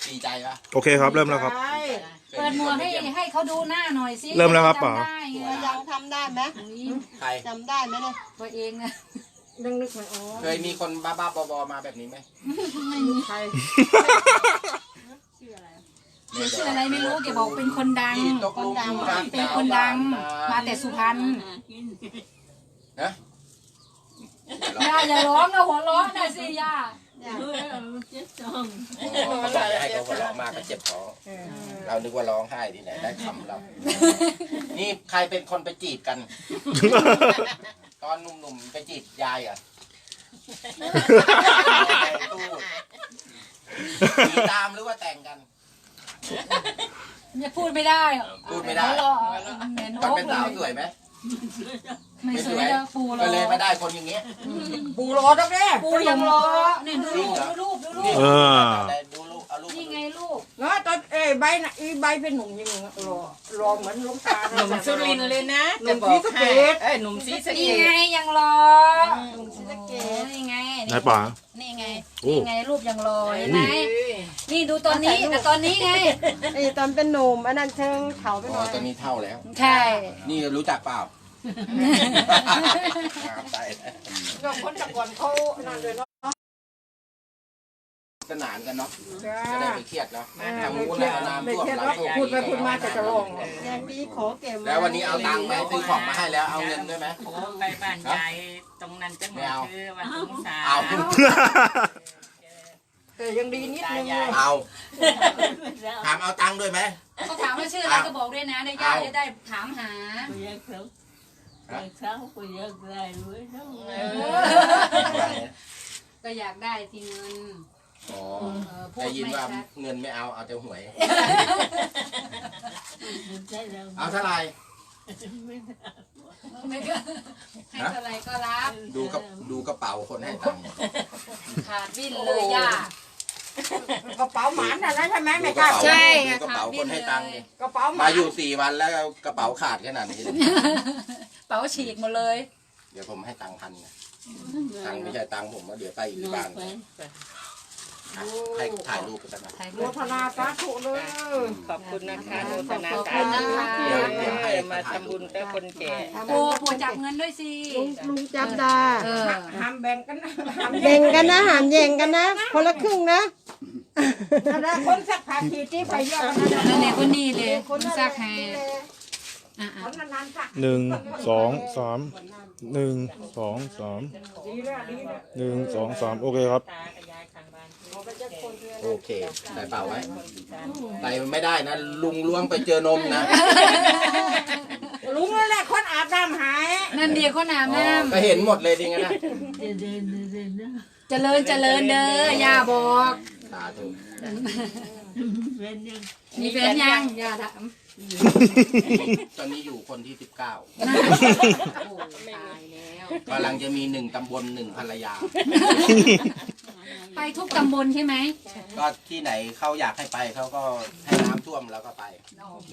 ดีใจปะโอเคครับเริ่มแล้วครับเปิดหมวกให้เขาดูหน้าหน่อยสิเริ่มแล้วครับป๋าจำได้ไงยังทำได้ไหมใครจำได้ไหมเนี่ยตัวเองนะยังนึกไม่ออกเคยมีคนบ้าๆบอๆมาแบบนี้ไหมไม่มีใครชื่ออะไรไม่รู้แกบอกเป็นคนดังที่ตกลุมรักเป็นคนดังมาแต่สุพรรณนะย่าอย่าร้องนะหัวเร้องนะสิย่าเขาบอกให้เขาร้องมากก็เจ็บท้องเรานึกว่าร้องไห้ที่ไหนได้คำเรา นี่ใครเป็นคนไปจีบกัน ตอนหนุ่มๆไปจีบยายอ่ะตีตามหรือว่าแต่งกันอย่าพูดไม่ได้พูดไม่ได้หัวเราะเหม็นตอนโอ๊กเป็นเลสาวย สวยไหมไม่สวยแล้วปูรก็อเลยไม่ได้คนอย่างเงี้ยปูรอตั้งแต่ปูยังรอเนี่ยดูรูปดูรูปเออดูลูกเอาลูกนี่ไงลูกเนาะตอนใบน่ะใบเป็นหนุ่มยังรอเหมือนลุงตาหนุ่มสุรินทร์เลยนะหนุ่มศรีสะเกษหนุ่มศรีสะเกนี่ษไงยังรอหนุ่มศรีสะเกษนี่ไงไหนป๋านี่ไงโอ้นี่ไงรูปยังรอเห็นไหมนี่ดูตอนนี้กับตอนนี้ไงตอนเป็นหนุ่มอันนั้นเชิงเขาไปหอ๋น่ออยตอนนี้เท่าแล้วใช่นี่รู้จักเปล่าใช่ก็คนตะก่อนเขานั่นเลยเนาะสนานกันเนาะจ้าจะได้ไม่เครียดเนาะทางนู้นแล้วน้ำไม่ท่วมเทียบหลาแล้ยวพูดไปพูดมาแต่จะลงแดงดีขอเก็บแล้ววันนี้เอาตังค์ไปซื้อของมาให้แล้วเอาเงินด้วยไหมโอ้ไปบ้านยายตรงนั้นจังหวัดคือวันสงสารเอาแต่ยังดีนิดนึงเอาถามเอาตังค์ด้วยไหมเขาถามว่าชื่ออะไรก็บอกด้วยนะเดี๋ยวย่าจะได้ถามหา ก็อยากได้ทีเงินอ๋อได้ยินว่าเงินไม่เอาเอาแต่หวย เอาเท่าไหร่ไม่ก็ให้เท่าไรก็รับดูกระเป๋าคนให้ตังค์ขาดวิ่นเลยย่ากระเป๋าหมานอะไรใช่ไหมดูไม่กกล้าระเป๋าใช่ดูกระเป๋าคนให้ตังค์ดิกระเป๋าหมามาอยู่4 วันแล้วกระเป๋าขาดขนาดนี้เลยเป๋าฉีกหมดเลยเดี๋ยวผมให้ตังค์1,000นะตังค์ไม่ใช่ตังค์ผมว่าเดี๋ยวไปอีกบ้านให้ถ่ายรูปกันนะถ่ายโมรูปทนาสาธุเลยขอบคุณนะคะโนตนาขอบสาคุณธุนะคะเดี๋ยวให้มาทำบุญกับคนแก่ปูจับเงินด้วยสิลุงจับดาเออห้ามแบ่งกันนะแบ่งกันนะหามแย่งกันนะ คนละครึ่งนะนะคนสักผ้าขีดที่ไปเยอะกันนะนั่นแหละคนนี้เลยซักให้อ่ะคนนานๆสัก 1 2 3 1 2 3 1 2 3โอเคครับตากับยายข้างบ้านโอเคใส่เปล่าไว้ใส่ไม่ได้นะ ลุงล้วงไปเจอนมนะลุงนั่นแหละคนอาบน้ำหายนั่นเดียวคนอาบน้ก็เห็นหมดเลยดิงั้นนะำเจริญเจริญเด้อย่าบอกสาธุมีแฟนยังอย่าถามตอนนี้อยู่คนที่ 19 โอ้ตายแล้วกำลังจะมี1 ตำบล 1 ภรรยาไปทุกตำบลใช่ไหมก็ที่ไหนเขาอยากให้ไปเขาก็ให้น้ำท่วมแล้วก็ไปโอเค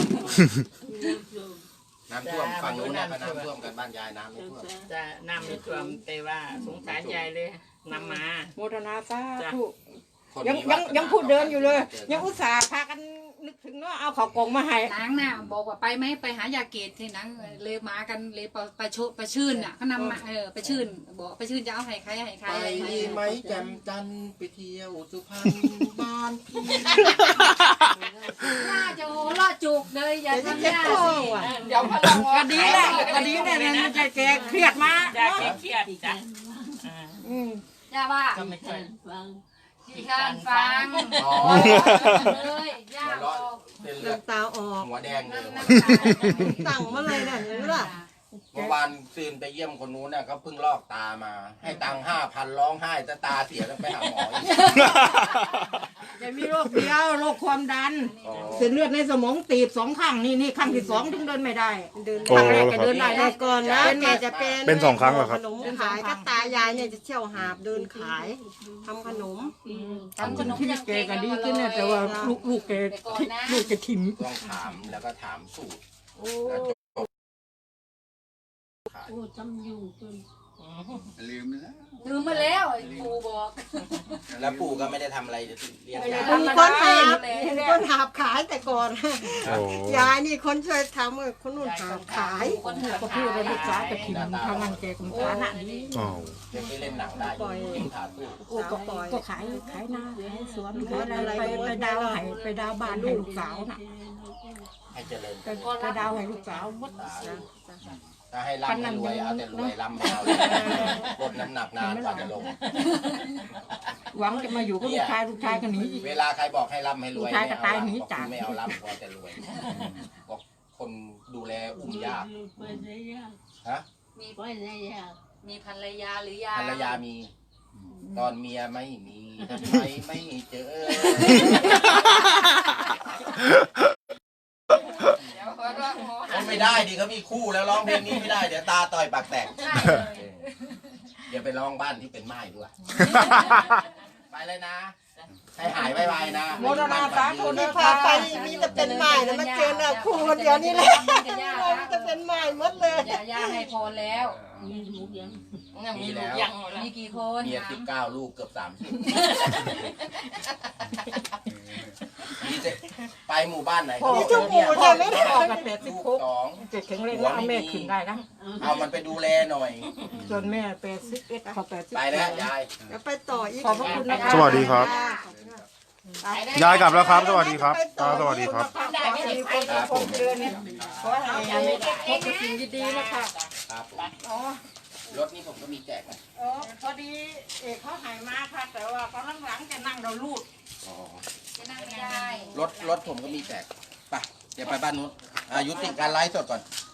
น้ำท่วมฝั่งนู้นนะก็น้ำท่วมกันบ้านยายน้ำไม่ท่วมจะนำในความแต่ว่าสงสารยายเลยนำมาโมทนาสาธุคนยังมียังวาสนายังพูดเดินอยู่เลย ยังอุตส่าห์พากันนึกถึงว่าเอาข้าวกล่องมาให้นางน่ะบอกว่าไปไหมไปหายาเกตที่นางเลยมากันเลยไปชื่นน่ะเขานำมาไปชื่นบอกไปชื่นจะเอาให้ใครให้ใครไปอะไรอย่างดีเงี้ยไหมแจ่มจันทร์ไปเที่ยวสุพรรณบ้านพี่น่าจะโหล่อจุกเลยอย่าทำยาสิเดี๋ยวพลังก็ดีแหละก็ดีแหละนะใจแกเครียดมายายเครียดจ้ะย่าว่าก็ไม่ใช่ที่การฟังอ๋อเลยย่าหัวบเร้ออน กเป็นเลือดตาออกหัวแดงเลยนั่งตั้งมาเลยเนี่ยเห็นไหมล่ะเมื่อวานซืนไปเยี่ยมคนนู้นน่ะเขาเพิ่งลอกตามา ให้ตังค์5,000ร้องไห้จะตาเสียแล้วไปหาหมออีกจะมีโรคเดียวโรคความดันอ๋อเส้นเลือดในสมองตีบ2 ข้างนี่ข้างที่ 2ถึงเดินไม่ได้เดินโอ้ข้างแรกก็เดินได้แต่นะก่อนนะแกจะเป็นเป็น2 ครั้งเหรอครับขนมขายก็ตายายเนี่ยจะเที่ยวหาบเดินขายทำขนมทำขนมชีวิตแกก็ดีขึ้นนะแต่ว่าลูกแกแต่ก่อนนะลูกจะถิ่มต้องถามแล้วก็ถามสูตรแล้วจบขายลืมแล้วลืมมาแล้วปู่บอกแล้วปู่ก็ไม่ได้ทำอะไรจะเลี้ยงยายมีคนหาบมีคนหาบขายแต่ก่อนโอ้ยายนี่คนช่วยทำคนนู่นหาบขายคนหาก็พูดว่าลูกสาวจะถิ่นทางนั้นแกก็ฐานะดีอ้าวเด็กที่เล่นหนังได้อยู่เล่นขาตู้โอ้ก็ขายหน้าขายสวนขายอะไรไปดาวให้ไปดาวบ้านให้ลูกสาวน่ะให้เจริญไปดาวให้ลูกสาวหมดถ้าให้ร่ำให้รวยเอาแต่รวยร่ำไม่เอาเลยลดน้ำหนักนานกว่าจะลงหวังจะมาอยู่กับลูกชายก็หนีอีกเวลาใครบอกให้ร่ำให้รวยลูกชายก็ตายหนีบอกจากไม่เอาร่ำพอแต่รวยบอกคนดูแลอุ้มยากฮะมีมีภรรยาหรือยังภรรยามี ตอนเมียไม่มีทำไมไม่เจอเดี๋ยวขอร้องหมอไม่ได้ดิเขามีคู่แล้วร้องเพลงนี้ไม่ได้เดี๋ยวตาต่อยปากแตกเดี๋ยวไปร้องบ้านที่เป็นไม้ด้วยไปเลยนะ ให้หายไวๆนะโมรณาสาธุที่พาไปมีแต่เป็นไม้นะมาเจอเนี่ยคู่คนเดียวนี่แหละมีแต่เป็นไม้หมดเลยย่าให้พรแล้วยังมีลูกยังหมดแล้วมีกี่คนเมีย19 ลูกเกือบ30นี่จะไปหมู่บ้านไหนมีทุกหมู่ใช่ไหมพ่อกับแม่ลูก 16 2 เจ็ดแข็งแรงแล้วเอาแม่ขึ้นได้นะเอามันไปดูแลหน่อยจนแม่81เขา80 ไปแล้วยายแล้วไปต่ออีกขอบพระคุณนะคะสวัสดีครับ ยายกลับแล้วครับ สวัสดีครับตาสวัสดีครับครับผมขอให้ยายพบแต่สิ่งดีๆนะคะครับผมรถนี้ผมก็มีแจกนะพอดีเอกเขาหายมาค่ะแต่ว่าตอนหลังๆจะนั่งเราลูดอ๋อจะนั่งไม่ได้รถผมก็มีแจกไปเดี๋ยวไปบ้านนู้นยุติการไลฟ์สดก่อน